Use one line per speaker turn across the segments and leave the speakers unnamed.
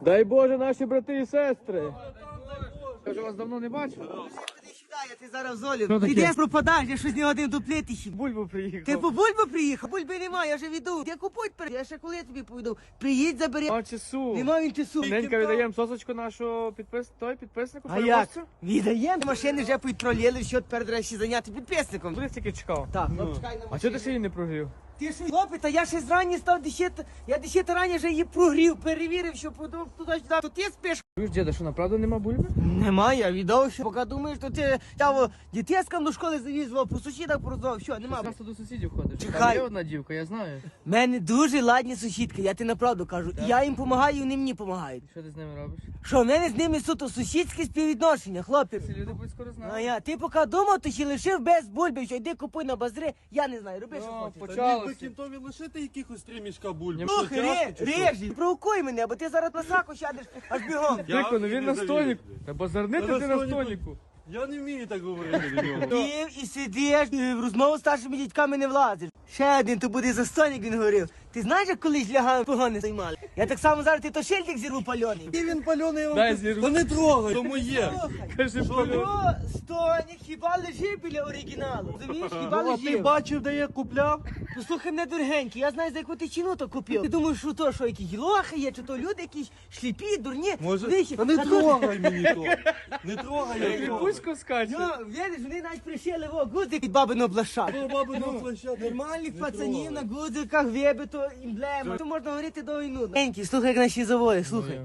Дай Боже, наші брати і сестри. Я вже вас давно не бачив.
Я ти зараз в золі. Ти десь пропадаєш, я щось не годин дуплити ще.
Бульбу приїхав.
Ти по бульбу приїхав? Бульби немає, я вже віду. Я купують перед. Я ще коли тобі повідав. Приїдь, забери.
А часу.
Нема він часу.
Ненька віддаємо сосочку нашого підписнику.
А як? Віддаємо. Машини вже підтроліли, що тепер треба ще зайняти підписником.
Буде тільки чекав.
Так, ну чекай на
А
машину.
чого ти ще її не прогрів?
Ти що, хлопець, а я ще зрані став десята. Я 10 рані вже її прогрів, перевірив, що продав туди-сюди. То ти спиш.
Чуєш, діда, що направду нема бульби?
Немає, я віддав, що поки думаєш, то ти дітескам до школи завізував, по сусідах пороздав, що, нема.
Часто до сусідів ходиш.
Чекай.
Там є одна дівка, я знаю.
В мене дуже ладні сусідки, я ти направду кажу. Я їм допомагаю, вони мені допомагають.
Що ти з ними робиш?
Що, в мене з ними суто сусідські співвідношення, хлопці.
Ці люди будуть скоро знати.
А я, ти поки думав, ти ще лишив без бульби, що йди купуй на базари, я не знаю, роби, що
О,
хочеш.
почалося.
Кінтові лишити якихось 3 мішка бульби.
Ні,
Що,
Слухай,
тяжко чи що?
режі, провокуй мене, бо ти зараз на саку сядеш аж бігом.
Я
Тихо, ну він
не
на
завірю.
стоніку. Та базарнити
Та
ти
на
на
стоніку.
стоніку.
Я не вмію так говорити до нього.
Ти і сидиш, і в розмову з старшими дітьками не влазиш. Ще один, то буде застойник, він говорив. Ти знаєш, як колись лягали погони займали? Я так само зараз ти то шильдик зірву пальоний.
І він пальоний, я
Дай
вам
зірву.
Та не трогай, то моє.
Слухай,
Кажи,
що стойник хіба лежить біля оригіналу? Розумієш, хіба
Ну, а ти
лежить?
бачив, де я купляв?
Послухай мене, дорогенький, я знаю, за яку ти ціну то купив. Ти думаєш, що то, що якісь лохи є, чи то люди якісь шліпі, дурні.
Може?
Вихі.
Та не
Та то-
трогай мені то. Не трогай, я трогай.
Кріпусько скаче.
Ну, видиш, вони навіть пришили во гудзик від бабиного блаша.
Бо баби на площадку.
Нормальних пацанів на гудзиках, вибито, емблема. То можна говорити до війну. Енький, слухай, як наші завої, слухай.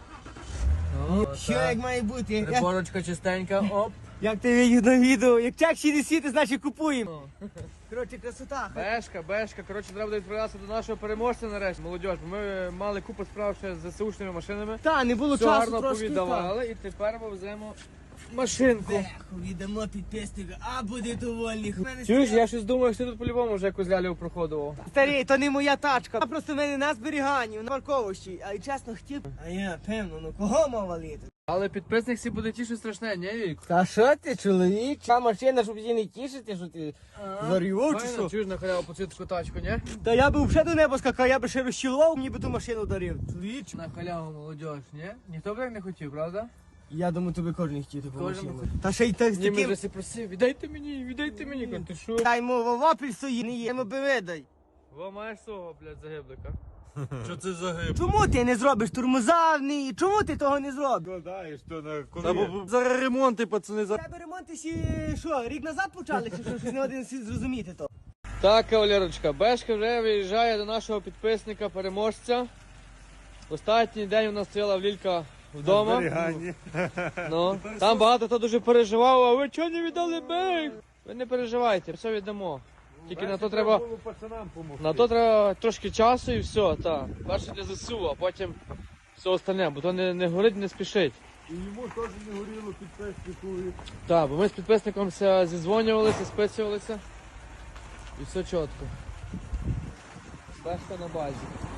Що як має бути?
Приборочка чистенька, оп.
Як ти видів на відео? Як чек ще не світи, значить купуємо. Коротше, красота.
Бешка. Коротше, треба буде відправлятися до нашого переможця нарешті, молодіж. Ми мали купу справ ще з ЗСУшними машинами.
Та, не було
Все
часу
гарно
трошки.
повіддавали і тепер ми веземо машинку.
Беху, віддамо підписника, а буде довольний.
Чуєш, я щось думаю, що ти тут по-любому вже якусь лялю проходував.
Старий, то не моя тачка. А просто в мене на зберіганні, на парковищі. А й чесно хотів. А я, певно, ну кого мав валити?
Але підписник всі буде тішить страшне, ні, Вік?
Та що ти, чоловік? Та машина, щоб її не тішити, що ти зарівав чи що?
Чуєш на халяву по цю тачку, ні?
Та я би вже до неба скакав, я би ще розчілував, мені би ту машину дарив. Чоловіч.
На халяву молодіж, ні? Ніхто б так не хотів, правда?
Я думаю, тобі кожен хотів таку
Кожен
машину.
хотів.
Та ще й так з
Ні, ми
таким...
вже всі просив, віддайте мені, кажу, ти що?
Дай йому в опіль стоїть, не є, йому би видай.
Во маєш свого, блядь, загиблика.
Що це за гиб?
Чому ти не зробиш тормоза в ній? Чому ти того не зробиш?
Складаєш то на коні. Зараз ремонти, пацани, за...
Тебе ремонти ще, що, рік назад почали, чи що, щось не один зрозуміти то?
Так, кавалерочка, Бешка вже виїжджає до нашого підписника, переможця. Останній день у нас стояла Лілька вдома. Ну, там багато хто дуже переживав, а ви чого не віддали бейк? Ви не переживайте, все віддамо. Тільки на то треба трошки часу і все, так. Перше для ЗСУ, а потім все остальне, бо то не горить, не спішить.
І йому теж не горіло підписнику.
Так, бо ми з підписником зідзвонювалися, списувалися. І все чітко. Бешка на базі.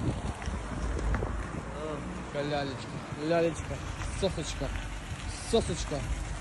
Лялечка, сосочка.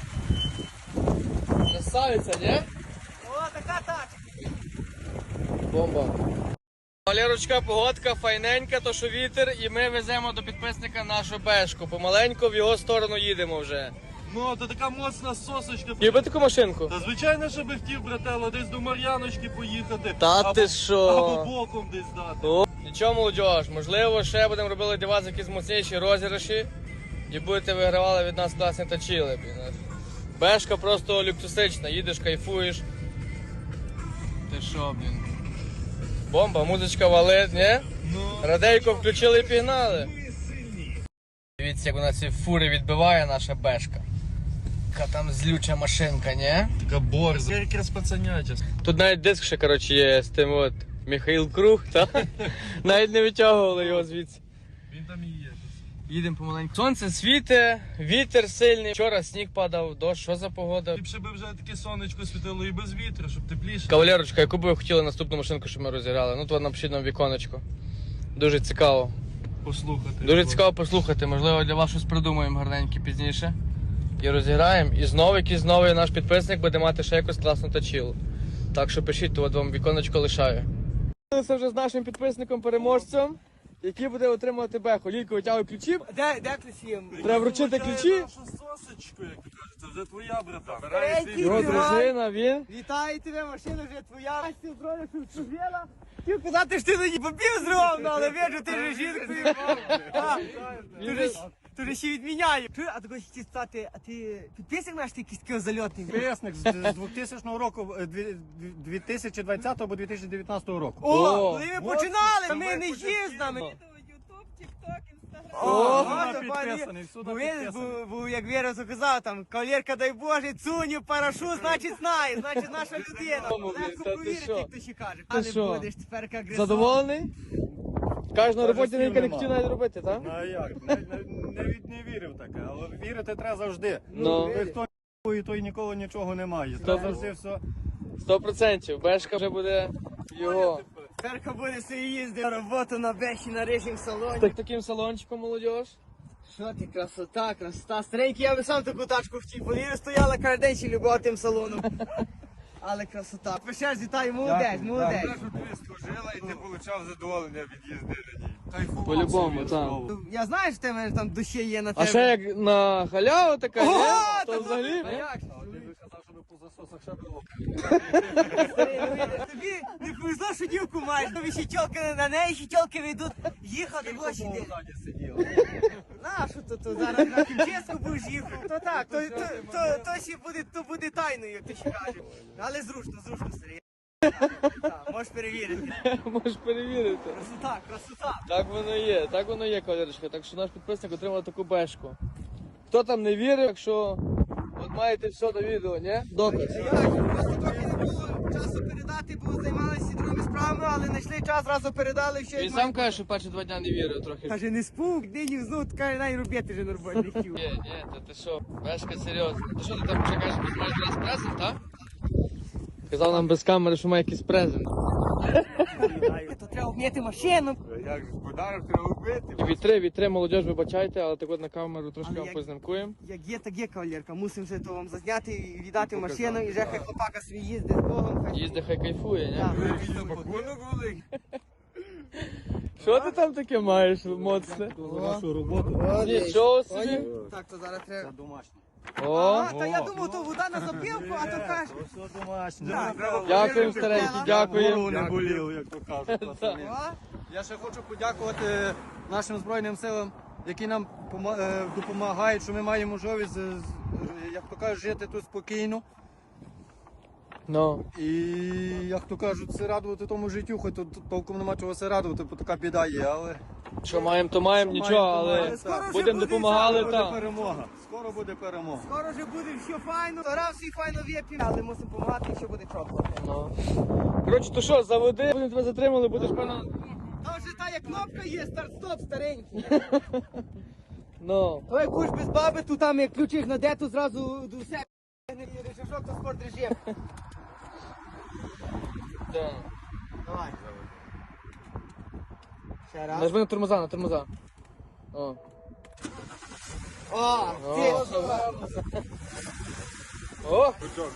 Красавиця, ні?
О, така тачка.
Бомба. Валерочка, погодка файненька, то що вітер, і ми веземо до підписника нашу Бешку. Помаленьку в його сторону їдемо вже.
Ну, то така моцна сосочка.
Їби таку машинку?
Та звичайно, що би хотів, брателло, десь до Мар'яночки поїхати.
Та ти що?
Або боком десь дати.
О, нічого, молодіж, можливо, ще будемо робити для вас якісь моцніші розіграші і будете вигравали від нас класні тачіли. Бешка просто люксусична, їдеш, кайфуєш. Ти що, блін? Бомба, музичка валить, ні? Радейко включили і пігнали. Дивіться, як вона ці фури відбиває, наша Бешка. Яка там злюча машинка, ні?
Така борза. Якраз пацаняча.
Тут навіть диск ще, коротше, є з тим от Михаїл Круг, так? Навіть не витягували його звідси.
Він там і є.
Їдемо помаленьку. Сонце світе, вітер сильний. Вчора сніг падав, дощ, що за погода?
Ліпше би вже таке сонечко світило і без вітру, щоб тепліше.
Кавалерочка, яку би ви хотіли наступну машинку, щоб ми розіграли? Ну, то напишіть нам віконечко. Дуже цікаво.
Послухати.
Дуже цікаво послухати. Можливо, для вас щось придумаємо гарненьке пізніше. І розіграємо. І знову якийсь новий наш підписник буде мати ще якусь класну тачілу. Так що пишіть, то от вам віконечко лишаю. Це вже з нашим підписником-переможцем. який буде отримувати беху. Лілько витягує ключі,
Де ключі?
треба вручити ключі.
Нашу сосочку, як то кажуть, це вже твоя, братан.
Третій,
Його
тримай.
дружина, він.
Вітаю тебе, машина вже твоя. Настя, бродиш, чужела. Хотів казати, що ти тоді попів зривав, ну, але вижу, ти ж жінкою. Ти ж ще відміняє. А також хотів стати, а ти підписник наш, ти якийсь такий зальотний?
Підписник з 2000 року, 2020 або 2019 року.
О,
О,
коли ми починали, ми не їздами.
Ютуб, Тікток, Інстаграм.
О,
Всюди
то пані,
підписаний, всюди
бо видиш,
підписаний.
бо як Віра казав, там, кавалерка, дай Боже, цуню, парашу, значить знає, значить наша людина.
Та
Легко
ти
повірити,
що?
як то ще каже.
Ти
Але
що?
будеш тепер як гризон.
Задоволений? Каже, на роботі
слів
Лілька не
нема.
хотів навіть робити, так?
Ну а як? Не вірив таке, але вірити треба завжди.
Ну.
Хто і той ніколи нічого не має.
Стоп.
Треба завжди все.
100%. Бешка вже буде його.
Тепер буде собі їздити на роботу на беші на рижім салоні.
Так таким салончиком, молодіж.
Що ти, красота, красота. Старенький, я би сам таку тачку хотів. Повірю, стояла кожен день ще любила тим салоном. Але красота. Пишеш, вітаю, молодець, молодець.
Ти служила і ти отримав задоволення від їзди на ній. Кайфував.
По-любому, так.
Я знаю, що в тебе там душі є на
А
тебе.
ще як на халяву така,
Ого,
ні?
та
То взагалі.
А як?
Ти би казав, щоб по засосах ще було.
Старий, ну, видиш, тобі не повезло, що дівку маєш. Тобі ще тілки на неї, ще тілки вийдуть їхати в очі.
Ззаді сиділо.
На, що то зараз на Кімческу будеш їхав. То так, то ще буде, то буде тайною, як ти ще кажеш. Але зручно, старий. Так, можеш перевірити.
Можеш перевірити.
Красота, красота.
Так воно є, кавалерочка. Так що наш підписник отримав таку бешку. Хто там не вірив, якщо от маєте все до відео, ні? Доказ.
Просто трохи не було часу передати, бо займалися другими справами, але знайшли час, зразу передали, що
Він сам каже, що перші 2 дня не вірив трохи.
Каже, не спук, нині знов, каже, най робити вже нормально не хотів.
Ні, та ти що, бешка серйозна. Ти що, ти там чекаєш, що маєш раз презент, так? Казав нам без камери, що має якийсь презент.
То треба вміти машину.
Як же, подарок треба вбити.
Вітри, молодіж, вибачайте, але так от на камеру трошки
Але
вам
як-
познімкуємо.
Як є, так є, кавалерка. Мусимо вже то вам зазняти і віддати машину, і вже хай хлопака свій їздить з Богом. хай-
Їзди, хай кайфує, ні?
Так.
Пакунок великий.
Що ти там таке маєш моцне?
За нашу роботу.
Нічого собі.
Так, то зараз треба.
Це домашнє.
О,
А, та я думав, то вода на запілку, а то кажеш.
Все домашнє.
Так.
дякуємо, старенький,
Голову
дякуємо.
не боліло, як то кажуть. пацани.
О,
Я ще хочу подякувати нашим Збройним силам, які нам допомагають, що ми маємо можливість, як то кажуть, жити тут спокійно.
Ну,
І, як то кажуть, се радувати тому життю, хоч тут толком нема чого се радувати, бо така біда є, але
що маємо, то маємо,
Що
нічого,
маємо, то
але
маємо.
Скоро вже
будемо
буде
допомагали
буде
там.
перемога. Скоро буде перемога.
скоро вже буде все файно. Раз всі файно вип'ємо, але мусимо допомагати, і ще буде чопла.
Ну. Коротше, то що, заводи, будемо тебе затримали, будеш певно.
Там вже та як кнопка є, старт-стоп старенький.
Ну.
Ой, куш без баби, тут там як ключиш на дету, зразу до себе. Режишок, то спорт режим.
Да.
Давай. Ще раз.
Нажми на тормоза, на тормоза. О.
О, ти.
О!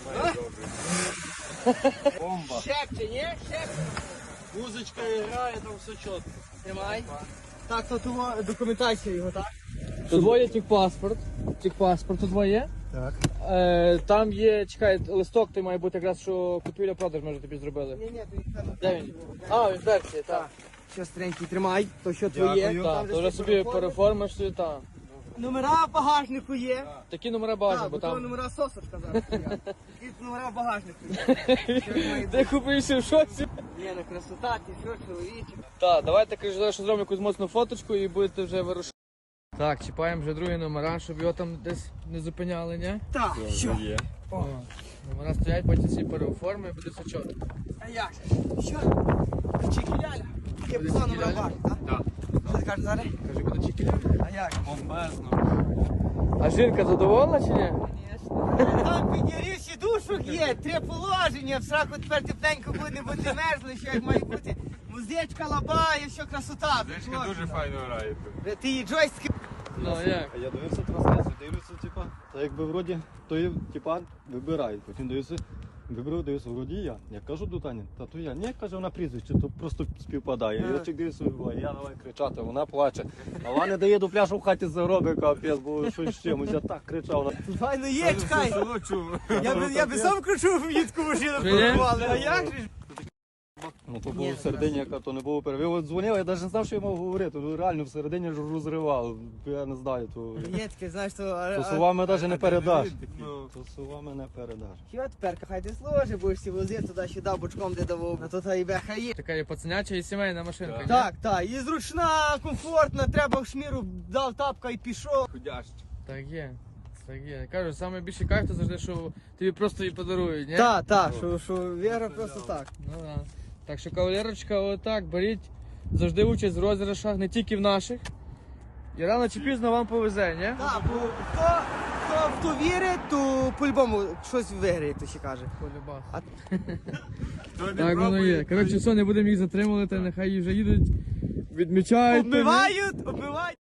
Бомба.
Шепче, ні? Шепче.
Музичка грає, там все чітко.
Тримай. Так, то того документація його, так?
Тут двоє тік-паспорт. Тік-паспорт тут двоє.
Так.
Там є, чекай, листок, той має бути якраз, що купівля-продаж ми вже тобі зробили.
Ні, то їх там.
Де він? А, він в версії, так.
Що старенький, тримай, то що твоє.
Дякую.
Там
Так,
же
то вже
всі
собі
переформи.
переформиш собі, так.
Номера в багажнику є.
Такі номера бажані,
Так,
бо
бо то
там.
номера сосочка зараз стоять. І номера в багажнику є. Що як має
Ти
бути?
купився в шоці?
Ні, на красота, ти що, чоловіче.
Так, давайте кажу, зараз що зробимо якусь моцну фоточку і будете вже вирушати. Так, чіпаємо вже другі номера, щоб його там десь не зупиняли, ні?
Так, що?
О, номера стоять, потім всі переоформи і буде все чітко.
А як же? Що? Чекіляля. Є
Буде
писано номера в
чекіляля?
багажнику, так? Що ти кажеш зараз?
Кажи, буде чекіля.
А як?
Бомбезно.
А жінка задоволена чи ні?
Там підняві сідушок є, 3 положення, в сраку тепер тепленько буде, не буде мерзли, що як має бути. Музичка, лабає, все красота.
Дочка дуже файно грає тут.
Ти її джойстики.
Ну як?
А я дивився трансляцію, дивлюся, типа, та якби вроді, то є, типа, вибирають, потім дивлюся, Вибрав, дивився, вроді я. Я кажу до Тані, та то я. Ні, каже, вона прізвище, то просто співпадає. Я чек дивився, я давай кричати, вона плаче. А вона не дає до пляшу в хаті заробить, капець, бо щось з чимось. Я так кричав.
Файно є, чекай.
Село чув.
Я би сам кручу в їдку машину
Чи ні?
порвали, а як же ж?
Ну то було в середині, яка то не було перерив. Ви от дзвонили, я навіть не знав, що я мав говорити. Ну реально в середині ж розривав. Я не знаю, то...
Є таке, знаєш,
То словами навіть не передаш.
Ну.
То словами не передаш.
Що тепер, хай ти сложи, будеш всі возити туди-сюди, бочком де давав. А тут і беха є.
Така є пацаняча і сімейна машинка. ні?
Так, так, і зручна, комфортна, треба в шміру, дав тапка і пішов.
Ходящ.
Так є. Так є. Кажу, саме більше кайф, то завжди, що тобі просто її подарують, ні?
Так, так, що Віра просто так.
Ну да. Так що, кавалерочка, отак, беріть завжди участь в розіграшах, не тільки в наших. І рано чи пізно вам повезе, ні?
Так, бо хто вірить, то по-любому щось виграє, як то ще каже.
Полюбас.
А-
Так воно є. Коротше, все, не будемо їх затримувати, нехай вже їдуть, відмічають.
Обмивають.